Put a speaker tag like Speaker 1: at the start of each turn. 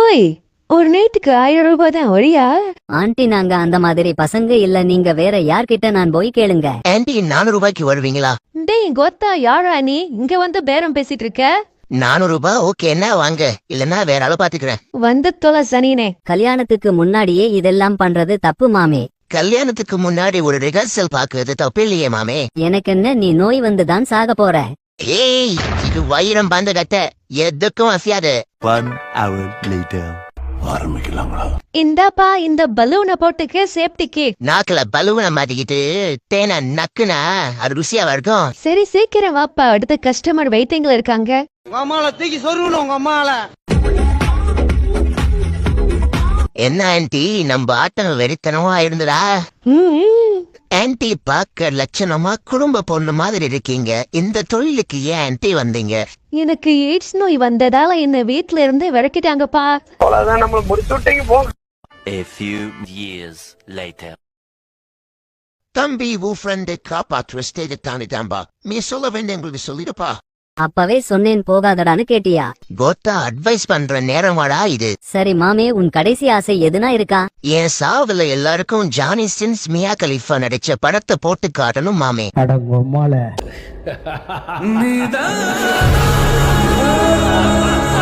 Speaker 1: ஓய், ஒரு நைட்டுக்கு 1000 ரூபாய் தான் ஒழியா?
Speaker 2: ஆண்டி நாங்க அந்த மாதிரி பசங்க இல்ல, நீங்க வேற யார்கிட்ட நான் போய் கேளுங்க.
Speaker 3: ஆண்டி 400 ரூபாய்க்கு வருவீங்களா?
Speaker 1: டேய் கொத்தா, யாரா நீ இங்க வந்து பேரம் பேசிட்டு இருக்க?
Speaker 3: 400 ரூபாய் ஓகேன்னா வாங்க, இல்லன்னா வேற ஆளு பாத்துக்கிறேன்.
Speaker 1: வந்து தொலை சனினே.
Speaker 2: கல்யாணத்துக்கு முன்னாடியே இதெல்லாம் பண்றது தப்பு மாமே.
Speaker 3: கல்யாணத்துக்கு முன்னாடி ஒரு ரிஹர்சல் பாக்குறது தப்பு இல்லையே மாமே.
Speaker 2: எனக்கு என்ன, நீ நோய் வந்துதான் சாக போற.
Speaker 3: ஏய், இது வைரம் பந்த கட்ட, எதுக்கும் அசையாது.
Speaker 4: 1 hour later.
Speaker 1: இந்தாப்பா இந்த பலூனை போட்டுக்க சேஃப்டிக்கு.
Speaker 3: நாக்குல பலூனை மாட்டிக்கிட்டு தேனை நக்குனா அது ருசியா இருக்கும்.
Speaker 1: சரி சீக்கிரம் வாப்பா, அடுத்த கஸ்டமர் வெயிட்டிங்ல இருக்காங்க.
Speaker 5: உங்க அம்மால தூக்கி சொருகணும் உங்க அம்மால.
Speaker 3: என்ன ஆன்டி, நம்ம ஆட்டம் வெறித்தனமா இருந்ததா? ஆன்டி பாக்க லட்சணமா குடும்ப பொண்ணு மாதிரி இருக்கீங்க. இந்த தொழிலுக்கு ஏன் ஆன்டி வந்தீங்க?
Speaker 1: எனக்கு எய்ட்ஸ் நோய் வந்ததால என்ன வீட்ல இருந்து விரட்டிட்டாங்கப்பா.
Speaker 5: அவ்வளவுதான், நம்மள முடிச்சு விட்டீங்க போங்க.
Speaker 4: A few years later.
Speaker 3: தம்பி, உன் ஃப்ரெண்டு காப்பாற்ற ஸ்டேஜ் தாண்டிட்டாம்பா. நீ சொல்ல வேண்டிய எங்களுக்கு சொல்லிடுப்பா.
Speaker 2: அப்பவே சொன்னேன் போகாதடான்னு கேட்டியா?
Speaker 3: கோத்தா அட்வைஸ் பண்ற நேரமாடா இது.
Speaker 2: சரி மாமே, உன் கடைசி ஆசை எதுனா இருக்கா?
Speaker 3: என் சாவுல எல்லாருக்கும் ஜானி சின்ஸ் மியா கலிஃபா நடிச்ச படத்தை போட்டு காட்டணும் மாமே.
Speaker 5: அடங்கம்மால